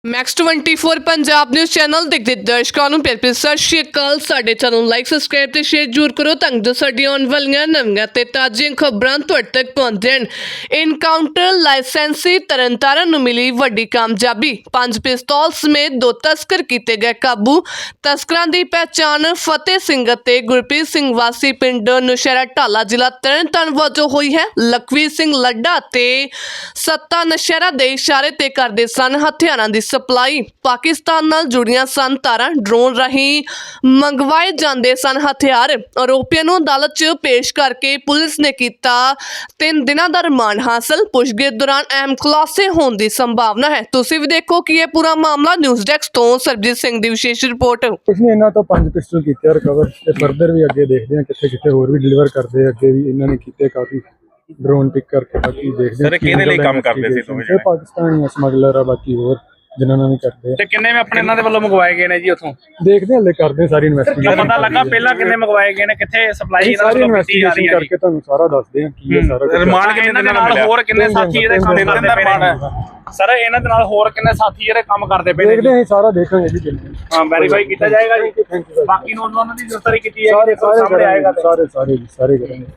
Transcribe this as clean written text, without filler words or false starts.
Max 24 Punjab news channel ਦੇਖਦੇ ਦਰਸ਼ਕਾਂ ਨੂੰ ਪਿਆਰ ਭਰੀ ਸਤਿ ਸ਼੍ਰੀ ਅਕਾਲ। ਸਾਡੇ ਚੈਨਲ ਨੂੰ ਲਾਈਕ ਸਬਸਕ੍ਰਾਈਬ ਤੇ ਸ਼ੇਅਰ ਜ਼ਰੂਰ ਕਰੋ ਤਾਂ ਜੋ ਸਾਡੀਆਂ ਆਉਣ ਵਾਲੀਆਂ ਨਵੀਆਂ ਤੇ ਤਾਜ਼ੀਆਂ ਖਬਰਾਂ ਤੁਹਾਡੇ ਤੱਕ ਪਹੁੰਚਣ। ਇਨਕਾਊਂਟਰ ਲਾਇਸੈਂਸੀ ਤਰਨਤਾਰਨ ਨੂੰ ਮਿਲੀ ਵੱਡੀ ਕਾਮਯਾਬੀ। 5 ਪਿਸਤੌਲ ਸਮੇਤ 2 ਤਸਕਰ ਕੀਤੇ ਗਏ ਕਾਬੂ। ਤਸਕਰਾਂ ਦੀ ਪਹਿਚਾਣ ਫਤਿਹ ਸਿੰਘ ਅਤੇ ਗੁਰਪ੍ਰੀਤ ਸਿੰਘ ਵਾਸੀ ਪਿੰਡ ਨੁਸ਼ਹਿਰਾ ਢਾਲਾ ਜ਼ਿਲ੍ਹਾ ਤਰਨਤਾਰਨ ਵਜੋਂ ਹੋਈ ਹੈ। ਲਖਵੀਰ ਸਿੰਘ ਲੱਡਾ ਤੇ ਸੱਤਾ ਨੁਸ਼ਹਿਰਾ ਦੇ ਇਸ਼ਾਰੇ ਤੇ ਕਰਦੇ ਸਨ ਹਥਿਆਰਾਂ ਦੀ ਸਪਲਾਈ। ਪਾਕਿਸਤਾਨ ਨਾਲ ਜੁੜੀਆਂ ਸਨ ਤਾਰਾਂ। ਡਰੋਨ ਰਾਹੀਂ ਮੰਗਵਾਏ ਜਾਂਦੇ ਸਨ ਹਥਿਆਰ। ਆਰੋਪੀਆਂ ਨੂੰ ਅਦਾਲਤ 'ਚ ਪੇਸ਼ ਕਰਕੇ ਪੁਲਿਸ ਨੇ ਕੀਤਾ 3 ਦਿਨਾਂ ਦਾ ਰਿਮਾਂਡ ਹਾਸਲ। ਪੁੱਛਗਿੱਛ ਦੌਰਾਨ ਅਹਿਮ ਖੁਲਾਸੇ ਹੋਣ ਦੀ ਸੰਭਾਵਨਾ ਹੈ। ਤੁਸੀਂ ਵੀ ਦੇਖੋ ਕਿ ਇਹ ਪੂਰਾ ਮਾਮਲਾ। ਨਿਊਜ਼ ਡੈਸਕ ਤੋਂ ਸਰਬਜੀਤ ਸਿੰਘ ਦੀ ਵਿਸ਼ੇਸ਼ ਰਿਪੋਰਟ। इसने इन्हों तो 5 पिस्टल किए रिकवर ते फर्दर भी अगे देखते हैं कितने कितने होर भी डिलीवर करते हैं। अगे भी इन्होंने किए काफ़ी ड्रोन पिक करके बाकी देखते हैं सर किहदे लई काम करदे सी तुसीं सर पाकिस्तानी स्मगलर है बाकी होर जिन्होंने भी करते ਤੇ ਕਿੰਨੇ ਆਪਣੇ ਇਹਨਾਂ ਦੇ ਵੱਲੋਂ ਮੰਗਵਾਏ ਗਏ ਨੇ ਜੀ ਉਥੋਂ देखते हैं हले करते हैं सारी इन्वेस्टिगेशन ਪਤਾ ਲੱਗਾ ਪਹਿਲਾਂ ਕਿੰਨੇ ਮੰਗਵਾਏ ਗਏ ਨੇ ਕਿੱਥੇ ਸਪਲਾਈ ਇਹਨਾਂ सारी ਵੱਲੋਂ ਕੀਤੀ ਜਾ ਰਹੀ इन्वेस्टिगेशन ਹੈ करके तुहानू सारा दसदे हैं की है सारा कुछ। ਰਿਮਾਂਡ ਕਿੰਨੇ ਦਿਨਾਂ ਦਾ ਮਿਲਿਆ? ਹੋਰ ਕਿੰਨੇ ਸਾਥੀ ਇਹਦੇ ਕੰਮ ਕਰਦੇ ਪਏ ਨੇ ਸਰ ਇਹਨਾਂ ਦੇ ਨਾਲ ਹੋਰ ਕਿੰਨੇ ਸਾਥੀ ਜਿਹੜੇ ਕੰਮ ਕਰਦੇ ਪਏ ਨੇ देखते हैं सारा देखेंगे जी जल्दी। ਹਾਂ ਵੈਰੀਫਾਈ ਕੀਤਾ ਜਾਏਗਾ ਜੀ थैंक यू ਬਾਕੀ ਨੌਜਵਾਨਾਂ ਦੀ ਗ੍ਰਿਫਤਾਰੀ ਕੀਤੀ सारे ਜਾਏਗੀ ਸਾਹਮਣੇ ਆਏਗਾ सारे सारे करेंगे।